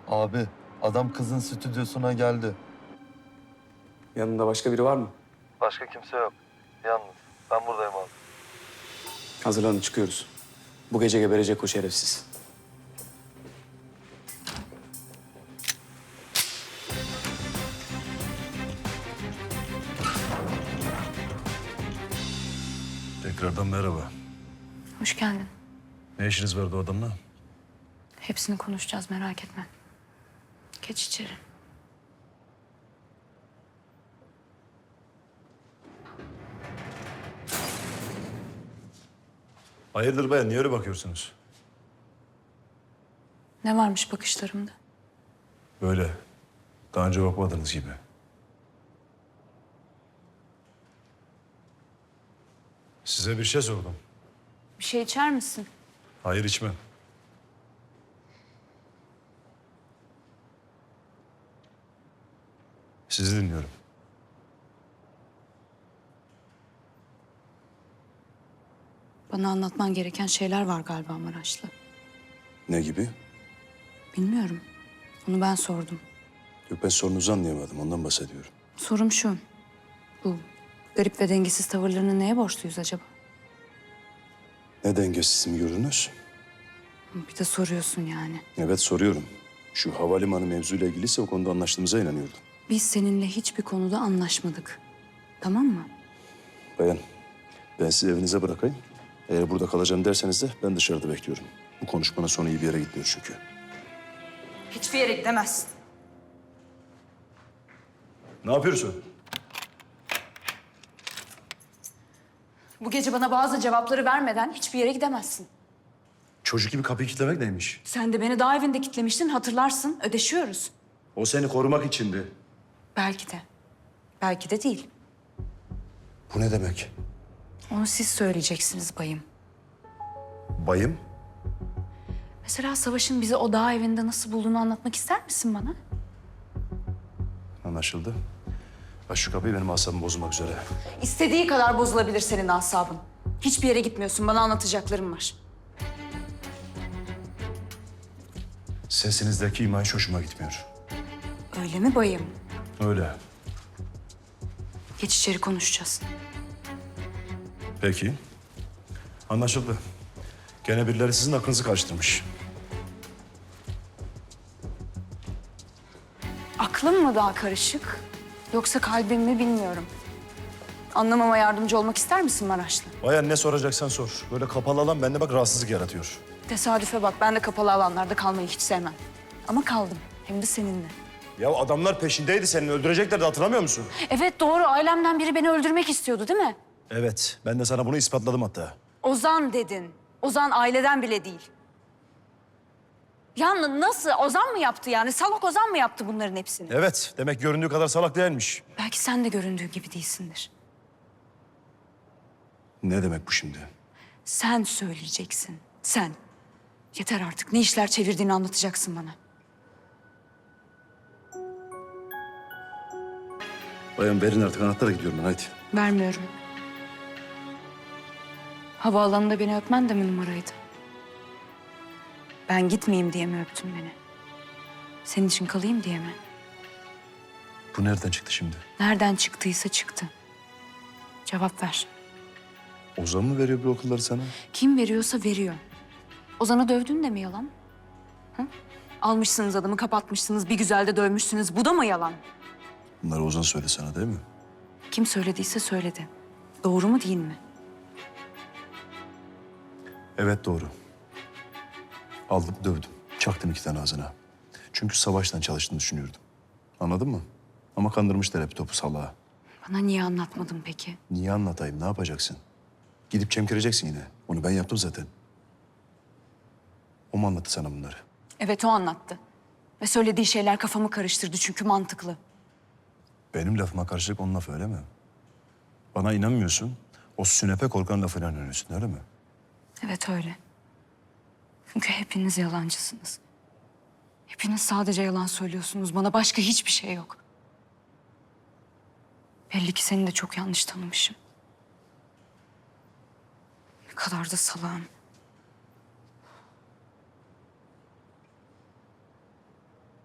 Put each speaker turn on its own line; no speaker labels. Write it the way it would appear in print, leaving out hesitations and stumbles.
Abi, adam kızın stüdyosuna geldi.
Yanında başka biri var mı?
Başka kimse yok. Yalnız. Ben buradayım abi.
Hazırlanın, çıkıyoruz. Bu gece geberecek o şerefsiz.
Tekrardan merhaba.
Hoş geldin.
Ne işiniz vardı o adamla?
Hepsini konuşacağız, merak etme. Geç içeri.
Hayırdır bayan, niye öyle bakıyorsunuz?
Ne varmış bakışlarımda?
Böyle. Daha önce bakmadığınız gibi. Size bir şey sordum.
Bir şey içer misin?
Hayır, içmem. Sizi dinliyorum.
Bana anlatman gereken şeyler var galiba Maraşlı.
Ne gibi?
Bilmiyorum. Onu ben sordum.
Yok, ben sorunuzu anlayamadım. Ondan bahsediyorum.
Sorum şu. Bu garip ve dengesiz tavırlarını neye borçluyuz acaba?
Ne dengesiz mi gördünüz?
Bir de soruyorsun yani.
Evet, soruyorum. Şu havalimanı mevzuyla ilgiliyse o konuda anlaştığımıza inanıyordum.
Biz seninle hiçbir konuda anlaşmadık. Tamam mı?
Bayan, ben sizi evinize bırakayım. Eğer burada kalacağım derseniz de ben dışarıda bekliyorum. Bu konuşmanın sonu iyi bir yere gitmiyor çünkü.
Hiçbir yere gidemezsin.
Ne yapıyorsun?
Bu gece bana bazı cevapları vermeden hiçbir yere gidemezsin.
Çocuk gibi kapıyı kilitlemek neymiş?
Sen de beni daha evinde kitlemiştin, hatırlarsın. Ödeşiyoruz.
O seni korumak içindi.
Belki de. Belki de değil.
Bu ne demek?
Onu siz söyleyeceksiniz bayım.
Bayım?
Mesela Savaş'ın bizi o dağ evinde nasıl bulduğunu anlatmak ister misin bana?
Anlaşıldı. Aç şu kapıyı, benim asabımı bozulmak üzere.
İstediği kadar bozulabilir senin asabın. Hiçbir yere gitmiyorsun. Bana anlatacaklarım var.
Sesinizdeki iman hiç hoşuma gitmiyor.
Öyle mi bayım?
Öyle.
Geç içeri konuşacağız.
Peki. Anlaşıldı. Gene birileri sizin aklınızı karıştırmış.
Aklım mı daha karışık? Yoksa kalbim mi bilmiyorum. Anlamama yardımcı olmak ister misin Maraşlı?
Bayan, ne soracaksan sor. Böyle kapalı alan bende bak rahatsızlık yaratıyor.
Tesadüfe bak. Ben de kapalı alanlarda kalmayı hiç sevmem. Ama kaldım. Hem de seninle.
Ya adamlar peşindeydi, seni öldüreceklerdi, hatırlamıyor musun?
Evet doğru. Ailemden biri beni öldürmek istiyordu değil mi?
Evet, ben de sana bunu ispatladım hatta.
Ozan dedin. Ozan aileden bile değil. Ya nasıl? Ozan mı yaptı yani? Salak Ozan mı yaptı bunların hepsini?
Evet, demek göründüğü kadar salak değilmiş.
Belki sen de göründüğü gibi değilsindir.
Ne demek bu şimdi?
Sen söyleyeceksin. Sen. Yeter artık. Ne işler çevirdiğini anlatacaksın bana.
Bayan, verin artık anahtarı, gidiyorum ben, hadi.
Vermiyorum. Havaalanında beni öpmen de mi numaraydı? Ben gitmeyeyim diye mi öptün beni? Senin için kalayım diye mi?
Bu nereden çıktı şimdi?
Nereden çıktıysa çıktı. Cevap ver.
Ozan mı veriyor bu okulları sana?
Kim veriyorsa veriyor. Ozan'ı dövdün de mi yalan? Hı? Almışsınız adamı, kapatmışsınız, bir güzel de dövmüşsünüz. Bu da mı yalan?
Bunları Ozan söyledi sana değil mi?
Kim söylediyse söyledi. Doğru mu değil mi?
Evet, doğru. Aldım, dövdüm. Çaktım 2 tane ağzına. Çünkü Savaş'tan çalıştığını düşünüyordum. Anladın mı? Ama kandırmışlar hep topu salağa.
Bana niye anlatmadın peki?
Niye anlatayım, ne yapacaksın? Gidip çemkireceksin yine. Onu ben yaptım zaten. O mu anlattı sana bunları?
Evet o anlattı. Ve söylediği şeyler kafamı karıştırdı çünkü mantıklı.
Benim lafıma karşılık onun lafı, öyle mi? Bana inanmıyorsun, o sünepe korkan lafına inanıyorsun, öyle mi?
Evet öyle. Çünkü hepiniz yalancısınız. Hepiniz sadece yalan söylüyorsunuz. Bana başka hiçbir şey yok. Belli ki seni de çok yanlış tanımışım. Ne kadar da salağım.